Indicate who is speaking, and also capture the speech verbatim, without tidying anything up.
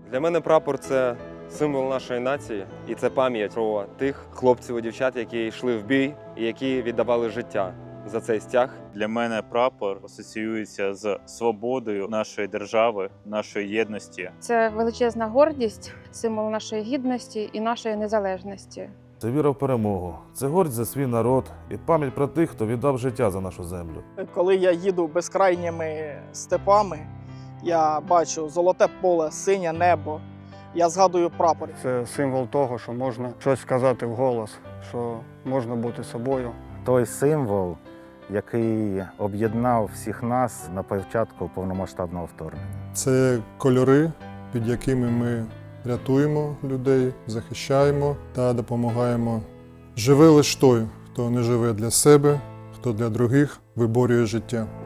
Speaker 1: Для мене прапор – це символ нашої нації, і це пам'ять про тих хлопців і дівчат, які йшли в бій і які віддавали життя за цей стяг.
Speaker 2: Для мене прапор асоціюється з свободою нашої держави, нашої єдності.
Speaker 3: Це величезна гордість, символ нашої гідності і нашої незалежності.
Speaker 4: Це віра в перемогу, це гордість за свій народ і пам'ять про тих, хто віддав життя за нашу землю.
Speaker 5: Коли я їду безкрайніми степами, я бачу золоте поле, синє небо, я згадую прапор.
Speaker 6: Це символ того, що можна щось сказати вголос, що можна бути собою.
Speaker 7: Той символ, який об'єднав всіх нас на початку повномасштабного вторгнення.
Speaker 8: Це кольори, під якими ми рятуємо людей, захищаємо та допомагаємо. Живе лише той, хто не живе для себе, хто для других виборює життя.